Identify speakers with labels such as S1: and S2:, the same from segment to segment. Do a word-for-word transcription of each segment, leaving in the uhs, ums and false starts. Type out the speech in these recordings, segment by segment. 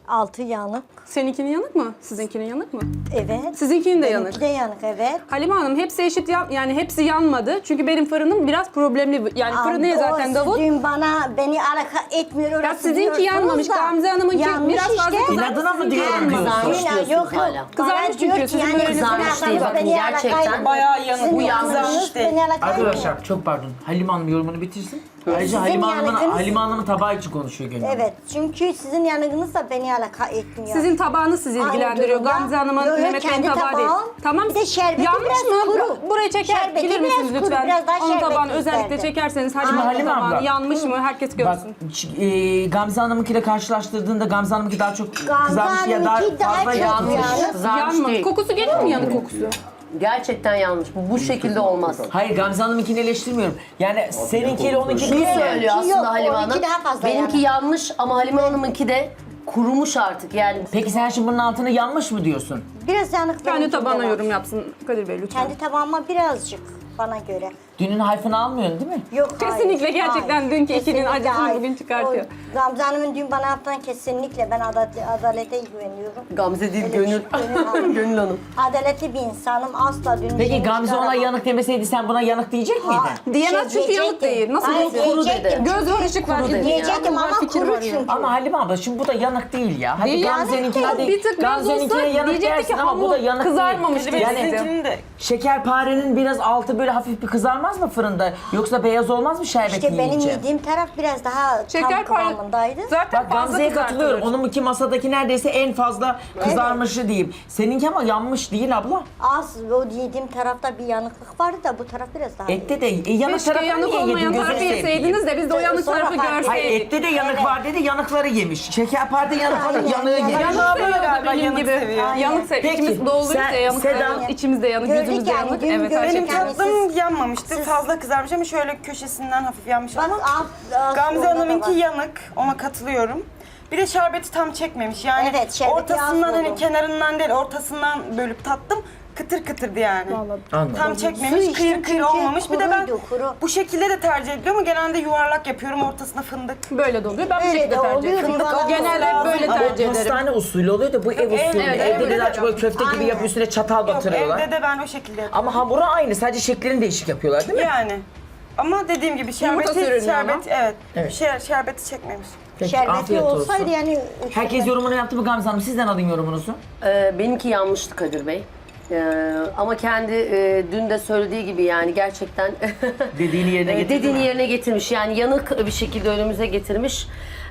S1: Altı yanık.
S2: Seninkinin yanık mı? Sizinkinin yanık mı?
S1: Evet.
S2: Sizinkinin de yanık.
S1: Benimki de yanık, evet.
S2: Halime Hanım hepsi eşit yan, yani hepsi yanmadı. Çünkü benim fırınım biraz problemli. Yani fırını
S1: Aa,
S2: zaten
S1: o
S2: davul.
S1: Dün bana beni alaka etmiyor.
S2: Ya
S1: orası
S2: sizinki
S1: diyorsunuz
S2: yanmamış.
S1: da.
S2: Gamze Hanım'ınki
S1: Yanmış
S2: biraz fazla
S1: işte.
S2: kızarmış.
S3: İnadına mı
S2: sizinki
S3: diyorum
S2: yanmamış.
S3: diyorsun?
S1: Yine
S3: Diyorsunuz
S1: yok yok.
S3: hala.
S1: Bana
S2: Kızarmış
S1: diyor
S2: çünkü,
S1: ki
S2: sizin böyle
S3: kızarmış
S1: sizin
S3: değil.
S1: aklınız
S3: Bakın
S1: beni
S3: gerçekten
S1: alakaydı.
S4: bayağı yanık.
S1: Sizin
S4: Bu
S1: aklınız
S4: yanmış değil.
S1: beni alakaydı.
S3: Arkadaşlar çok pardon. Halime Hanım yorumunu bitirsin. Ayrıca
S1: Sizin
S3: Halime Hanım'ın
S1: yanıtınız-
S3: Halime Hanım'ın tabağı için konuşuyor Gönül Hanım.
S1: Evet, çünkü sizin yanınız da beni alaka etmiyor.
S2: Sizin tabağınız sizi
S1: Aynı
S2: ilgilendiriyor.
S1: durumda.
S2: Gamze Hanım'ın,
S1: Yo, yo,
S2: Mehmet Bey'in
S1: kendi
S2: tabağı değil.
S1: tabağım.
S2: Tamam.
S1: Bir de şerbeti
S2: yanmış
S1: biraz
S2: mı?
S1: kuru.
S2: Burayı çeker,
S1: Şerbeti
S2: bilir misiniz
S1: biraz kuru,
S2: lütfen?
S1: biraz daha
S2: Onun
S1: şerbeti
S2: tabağını
S1: isterdim.
S2: özellikle çekerseniz
S3: Şimdi
S2: Halime'nin
S3: Halime
S2: tabağını
S3: abla.
S2: yanmış mı herkes
S3: Bak
S2: görsün.
S3: e, Gamze Hanım'ınkiyle karşılaştırdığında Gamze Hanım'ınki daha çok
S1: Gamze
S3: kızarmış ya daha
S1: Hanım'ınki daha
S3: fazla
S1: çok
S3: yanmış.
S1: yanmış.
S5: Kızarmış
S2: Yanma.
S5: değil.
S2: Kokusu geliyor mu yanık kokusu?
S5: Gerçekten yanlış. Bu, bu şekilde olmaz.
S3: Hayır Gamze Hanım'ınkini eleştirmiyorum. Yani seninkiyle onunki
S5: Şunu
S3: bir
S5: söylüyor
S1: Benimki
S5: aslında
S1: yok,
S5: Halime
S1: onunki
S5: Hanım.
S1: daha fazla
S5: Benimki
S1: yani.
S5: yanmış ama Halime Hanım'ınki de kurumuş artık yani.
S3: Peki sen şimdi bunun altını yanmış mı diyorsun?
S1: Biraz yanık
S2: Kendi
S1: benimkinde
S2: tabağına
S1: var.
S2: yorum yapsın Kadir Bey lütfen.
S1: Kendi tabağıma birazcık bana göre.
S3: Dünün hayfını almıyorsun değil mi?
S1: Yok
S2: Kesinlikle
S1: hayır,
S2: gerçekten
S1: hayır.
S2: dünkü ikinin
S1: Kesinlikle
S2: acısını
S1: hayır.
S2: bugün çıkartıyor.
S1: O Gamze Hanım'ın dün bana yaptığı kesinlikle ben adalet, adalete güveniyorum.
S5: Gamze değil
S1: Öyle
S5: Gönül.
S1: bir şey, Gönül Hanım.
S5: Gönül Hanım.
S1: Adaletli bir insanım asla dün
S3: Peki
S1: yemiş
S3: Gamze ona
S1: çıkaramam.
S3: yanık demeseydi sen buna yanık diyecek miydin?
S1: Ha,
S2: Diyemez
S1: şey
S2: çünkü yanık
S1: diyecektim.
S2: değil. Nasıl
S1: Hayır,
S2: diyecek?
S5: Kuru
S1: diyecektim.
S5: dedi.
S2: Göz var ışık var.
S5: Kuru dedi.
S1: Diyecektim
S2: Var,
S1: ama
S2: fikir
S1: kuru
S2: var yani.
S1: çünkü.
S3: Ama Halime abla şimdi bu da yanık değil ya. Hadi
S2: Değil,
S3: Gamze'ninki
S1: yanık
S3: hadi
S1: değil.
S2: Bir tık biraz
S3: Gamze'ninkine
S2: olsa
S3: yanık
S2: diyecekti
S3: dersin
S2: ki
S3: ama bu da
S2: hamur
S3: yanık
S2: kızarmamış
S3: değil. Yani
S4: Sizinkinin de
S3: şekerparenin biraz altı böyle hafif bir kızarmaz mı fırında? Yoksa beyaz olmaz mı şerbet
S1: İşte benim
S3: yiyince?
S1: yediğim taraf biraz daha
S2: Şeker
S1: tam
S2: pay
S1: kıvamındaydı.
S2: zaten
S3: Bak
S2: fazla
S3: Gamze'ye
S2: kızartılır.
S3: katılıyorum. Onunki masadaki neredeyse en fazla kızarmışı diyeyim. Seninki ama yanmış değil abla.
S1: Az o yediğim tarafta bir yanıklık vardı da bu taraf biraz daha.
S3: Ette de e, yanık
S2: Keşke
S3: tarafını
S2: yanık
S3: niye yedin?
S2: olmayan
S3: Gözünü
S2: tarafı
S3: seveyim.
S2: yeseydiniz de biz de o yanık
S1: Sonra
S2: tarafı
S1: fark ettim.
S3: Hayır
S2: görseydik.
S3: ette de yanık
S1: Evet.
S3: var dedi, yanıkları yemiş. Şekerpare yanıkları
S1: Aynen,
S3: yanığı
S1: yanık.
S3: yemiş.
S2: Yanık
S4: Abla
S2: seviyor
S4: galiba
S2: benim
S4: yanık
S2: gibi.
S4: seviyor.
S2: Yanık seviyor.
S3: Peki,
S2: İçimiz doluysa
S3: sen-
S2: yanık
S3: Seda-
S2: seviyor. İçimizde yanık,
S1: Gördük
S2: gözümüzde
S1: yani,
S2: yanık.
S1: dün
S2: Evet,
S1: gördük
S4: benim
S2: gerçekten.
S1: yani.
S4: tatlım
S1: siz-
S4: yanmamıştı.
S1: siz-
S4: Fazla kızarmış ama şöyle köşesinden hafif yanmış
S1: Bak
S4: ama
S1: alt, alt
S4: Gamze
S1: orada da
S4: Hanım'ınki
S1: var.
S4: yanık. Ona katılıyorum. Bir de şerbeti tam çekmemiş. Yani
S1: Evet, şerbeti
S4: ortasından
S1: az
S4: hani
S1: buldum.
S4: kenarından değil ortasından bölüp tattım. Kıtır kıtırdı yani.
S3: Anladım.
S4: Tam
S1: Su
S4: çekmemiş,
S1: içtim
S4: kıyır kıyır
S1: çünkü
S4: olmamış. Bir de ben
S1: kuruydu, kuru.
S4: bu şekilde de tercih ediyorum ama genelde yuvarlak yapıyorum. Ortasına fındık.
S2: Böyle de oluyor. Ben bu
S1: Öyle
S2: şekilde
S1: de
S2: tercih
S1: oluyor,
S2: ediyorum.
S1: yuvarlak
S2: Genelde hep böyle
S3: Ama
S2: tercih
S3: o
S2: ederim.
S3: pastane usulü oluyor da bu ev usulü.
S4: evet,
S3: Evde de
S4: evet.
S3: daha çok böyle köfte gibi
S1: Aynen.
S3: yapıyor üstüne çatal
S4: Yok,
S3: batırıyorlar.
S4: evde de ben o şekilde yapıyorum.
S3: Ama hamuru aynı sadece şeklini değişik yapıyorlar değil mi?
S4: Yani. Ama dediğim gibi şerbeti,
S2: sürünüyor
S4: şerbet, evet.
S3: Evet.
S4: Şer, şerbeti çekmemiş.
S3: Peki,
S1: Şerbeti
S3: afiyet olsun.
S1: olsaydı yani.
S3: Herkes yorumunu yaptı mı Gamze Hanım? Sizden alayım yorumunuzu.
S5: Ee, benimki yanmıştı Kadir Bey. Ee, ama kendi e, dün de söylediği gibi yani gerçekten
S3: Dediğini yerine
S5: e,
S3: getirdi
S5: dediğini
S3: mi?
S5: yerine getirmiş. Yani yanık bir şekilde önümüze getirmiş.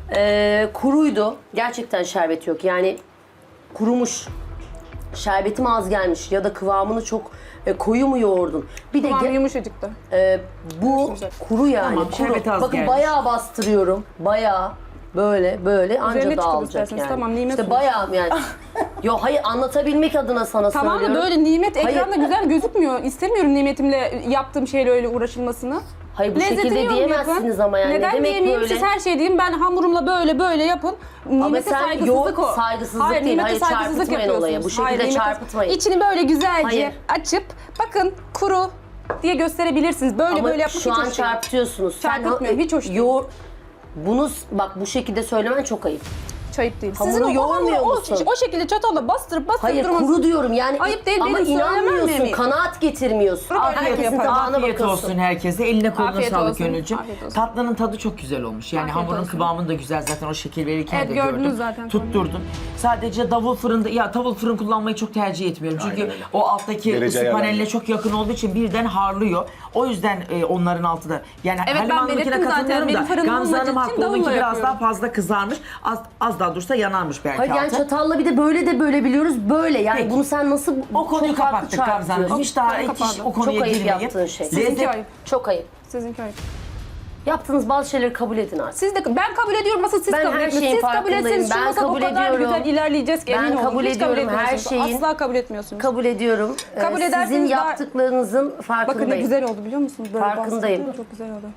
S5: Ee, kuruydu. Gerçekten şerbet yok. Yani kurumuş. Şerbetim az gelmiş ya da kıvamını çok e, koyu mu yoğurdun? Bir de
S2: Tamam
S5: ge-
S2: yumuşacıktı.
S5: e, bu kuru yani.
S3: Tamam,
S5: kuru.
S3: şerbeti az
S5: Bakın
S3: gelmiş.
S5: bayağı bastırıyorum. Bayağı böyle böyle anca
S2: Üzerine çıkın
S5: dağılacak
S2: isterseniz.
S5: yani.
S2: Tamam, nimet
S5: İşte
S2: olsun.
S5: bayağı yani. Yo hayır anlatabilmek adına sana
S2: Tamam da
S5: söylüyorum.
S2: böyle nimet
S5: Hayır.
S2: ekranda güzel gözükmüyor. İstemiyorum nimetimle yaptığım şeyle öyle uğraşılmasını.
S5: Hayır bu
S2: Lezzetini
S5: şekilde
S2: yorum
S5: diyemezsiniz
S2: yapın.
S5: ama yani.
S2: Neden
S5: ne demek
S2: diyemeyeyim?
S5: böyle?
S2: Siz her şey deyin. Ben hamurumla böyle böyle yapın. Nimete
S5: sen
S2: saygısızlık
S5: yok,
S2: o.
S5: saygısızlık
S2: hayır,
S5: değil.
S2: nimete
S5: Hayır,
S2: saygısızlık
S5: çarpıtmayın olayı.
S2: yapıyorsunuz.
S5: Bu şekilde
S2: nimete-
S5: çarpıtmayın.
S2: İçini böyle güzelce
S5: Hayır.
S2: açıp bakın kuru diye gösterebilirsiniz. Böyle
S5: Ama
S2: böyle yapmak
S5: şu
S2: hiç
S5: an
S2: hoş değil.
S5: çarpıtıyorsunuz.
S2: Çarpıtmıyorum, hiç hoş değil.
S5: yoğur, bunu bak bu şekilde söylemen çok ayıp.
S2: Çayıp değil.
S5: Hamuru
S2: Sizin o, o,
S5: yoğurmuyor
S2: hamuru o,
S5: musun?
S2: o şekilde çatalla bastırıp bastırıp
S5: Hayır
S2: durmanız-
S5: kuru diyorum yani.
S2: Ayıp değil,
S5: ama
S2: benim söylemem
S5: inanmıyorsun,
S2: mi?
S5: kanaat getirmiyorsun.
S2: Kuru böyle
S5: Herkesin
S2: yapar.
S5: tabağına
S3: Afiyet
S5: bakıyorsun.
S3: olsun herkese. Eline koluna
S2: Afiyet
S3: sağlık
S2: olsun,
S3: Gönülcüm.
S2: afiyet olsun.
S3: Tatlının tadı çok güzel olmuş. Yani
S2: Afiyet
S3: hamurun
S2: olsun.
S3: kıvamı da güzel. Zaten o şekil verirken
S2: Evet,
S3: de
S2: gördünüz
S3: gördüm.
S2: zaten.
S3: Tutturdun. Sadece davul fırında, ya davul fırın kullanmayı çok tercih etmiyorum. Çünkü
S6: öyle.
S3: o alttaki
S6: Derece
S3: ısı
S6: ayarlanıyor.
S3: paneline çok yakın olduğu için birden harlıyor. O yüzden e, onların altı da. Yani
S2: Evet,
S3: Halime
S2: ben
S3: Hanım'ınkine
S2: belirttim zaten.
S3: katılıyorum
S2: Benim
S3: da
S2: fırınım
S3: Gamze
S2: olmadığı
S3: Hanım
S2: için
S3: haklı. Onunki
S2: davulla
S3: biraz
S2: yapıyorum.
S3: daha fazla kızarmış. Az, az daha dursa yanarmış belki
S5: Hayır yani
S3: altı.
S5: çatalla bir de böyle de böyle biliyoruz böyle yani
S3: Peki.
S5: bunu sen nasıl
S3: O konuyu
S5: çok farklı
S3: kapattık Gamze Hanım.
S5: çarpıtıyorsun?
S3: Hiç daha
S2: Ben
S3: hiç
S2: kapadım.
S3: o konuya
S5: Çok ayıp
S3: girmeyin.
S5: yaptığın şey.
S2: Sizinki
S3: Lezzet
S2: ayıp.
S5: Çok ayıp.
S2: Sizinki ayıp.
S5: Yaptığınız bazı şeyleri kabul edin artık.
S2: Siz de ben kabul ediyorum asıl siz
S5: Ben
S2: kabul
S5: her
S2: etmiyorsunuz.
S5: şeyin
S2: Siz kabul
S5: farkındayım.
S2: etseniz şu
S5: Ben
S2: masada o
S5: kabul
S2: kadar
S5: ediyorum.
S2: güzel ilerleyeceğiz ki
S5: Ben
S2: emin olun.
S5: kabul
S2: Hiç
S5: ediyorum. Her
S2: etmiyorsunuz.
S5: şeyin-
S2: Asla kabul etmiyorsunuz.
S5: Kabul ediyorum.
S2: Kabul
S5: Ee,
S2: ederseniz
S5: Sizin
S2: daha-
S5: yaptıklarınızın
S2: Bakın ne
S5: farkındayım.
S2: güzel oldu biliyor musunuz? Böyle
S5: Farkındayım.
S2: bastırdım, çok güzel oldu.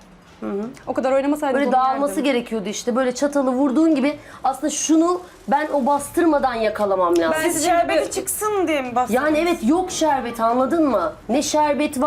S2: O kadar oynamasaydınız
S5: Böyle
S2: onu
S5: dağılması
S2: yerdim.
S5: gerekiyordu işte. Böyle çatalı vurduğun gibi aslında şunu ben o bastırmadan yakalamam lazım.
S2: Ben-
S4: Siz
S2: Sizin
S4: şerbeti
S2: gibi-
S4: çıksın diye mi bastınız?
S5: Yani evet yok şerbet anladın mı? Ne şerbet var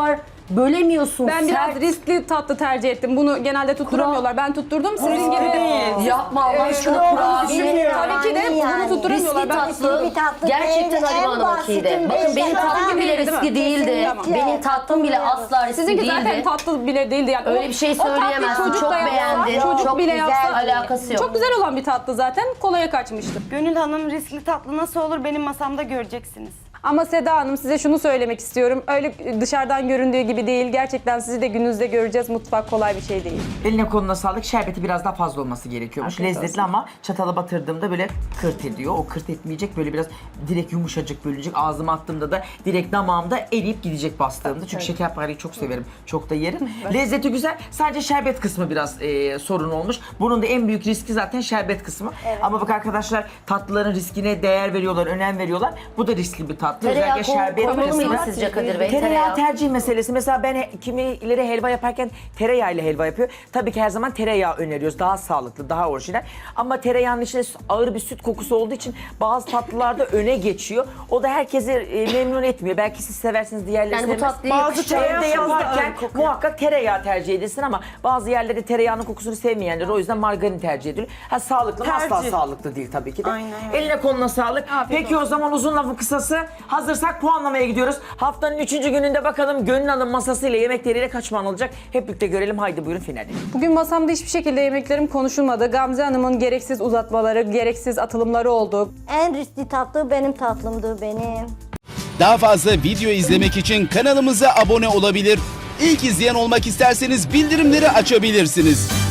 S5: bölemiyorsun.
S2: Ben biraz
S5: sert.
S2: riskli tatlı tercih ettim. Bunu genelde tutturamıyorlar. Ben tutturdum. Sizin gibi
S4: değil.
S5: Yapma Allah aşkına kurabiye.
S2: Tabii ki de
S1: Yani.
S2: bunu tutturamıyorlar.
S5: Riskli
S2: Ben
S5: tatlı,
S1: bir tatlı
S5: gerçekten
S1: değil,
S5: Halime
S1: en
S5: Hanım'ınkiydi.
S1: basitin
S5: Bakın
S1: beş
S5: benim
S1: yapan
S5: tatlım bile
S2: değil, değil mi?
S5: riskli değildi.
S1: Kesinlikle.
S5: Benim tatlım bile asla riskli
S2: Sizinki
S5: değildi.
S2: zaten tatlı bile değildi yani.
S5: Öyle
S2: O-
S5: bir şey
S2: o tatlı
S5: söyleyemezsin.
S2: çocuk
S5: Çok
S2: da yapsa,
S5: beğendin.
S2: Çocuk
S5: Çok
S2: bile
S1: güzel.
S2: yapsa
S5: Alakası yok.
S2: çok güzel olan bir tatlı zaten kolaya kaçmıştı.
S4: Gönül Hanım riskli tatlı nasıl olur benim masamda göreceksiniz.
S2: Ama Seda Hanım size şunu söylemek istiyorum. Öyle dışarıdan göründüğü gibi değil. Gerçekten sizi de gününüzde göreceğiz. Mutfak kolay bir şey değil.
S3: Eline koluna sağlık. Şerbeti biraz daha fazla olması gerekiyormuş.
S2: Afiyet
S3: Lezzetli
S2: olsun.
S3: ama çatala batırdığımda böyle kırt ediyor. O kırt etmeyecek, böyle biraz direkt yumuşacık bölünecek. Ağzıma attığımda da direkt damağımda eriyip gidecek bastığımda. Çünkü şekerpareyi çok severim. Çok da yerim. Lezzeti güzel. Sadece şerbet kısmı biraz e, sorun olmuş. Bunun da en büyük riski zaten şerbet kısmı. Ama bak arkadaşlar, tatlıların riskine değer veriyorlar, önem veriyorlar. Bu da riskli bir tatlı.
S5: Tereyağı
S3: Özellikle
S5: kon-
S3: şerbet
S5: konmalı mıydı
S3: kısmı.
S5: sizce Kadir Bey?
S3: Tereyağı
S5: Tereyağı.
S3: tercih meselesi. Mesela ben he- kimileri helva yaparken tereyağıyla helva yapıyor. Tabii ki her zaman tereyağı öneriyoruz. Daha sağlıklı, daha orijinal. Ama tereyağının içinde ağır bir süt kokusu olduğu için bazı tatlılarda öne geçiyor. O da herkesi e, memnun etmiyor. Belki siz seversiniz, diğerleri
S5: Yani bu
S3: sevmez.
S5: tatlıyı
S3: Bazı
S5: yakıştıran
S3: evde
S4: fazla
S3: yaparken
S4: ağır kokuyor.
S3: muhakkak tereyağı tercih edilsin ama bazı yerlerde tereyağının kokusunu sevmeyenler o yüzden margarin tercih ediyor. Ha, sağlıklı mı? Asla
S4: Tercih.
S3: sağlıklı değil tabii ki de.
S4: Aynen öyle.
S3: Eline koluna sağlık.
S2: Afiyet
S3: Peki o zaman uzun lafın kısası, hazırsak puanlamaya gidiyoruz. Haftanın üçüncü gününde bakalım Gönül Hanım masasıyla yemekleriyle kaç puan alacak? Hep birlikte görelim. Haydi buyurun finale.
S2: Bugün masamda hiçbir şekilde yemeklerim konuşulmadı. Gamze Hanım'ın gereksiz uzatmaları, gereksiz atılımları oldu.
S1: En riskli tatlı benim tatlımdı benim.
S6: Daha fazla video izlemek için kanalımıza abone olabilir. İlk izleyen olmak isterseniz bildirimleri açabilirsiniz.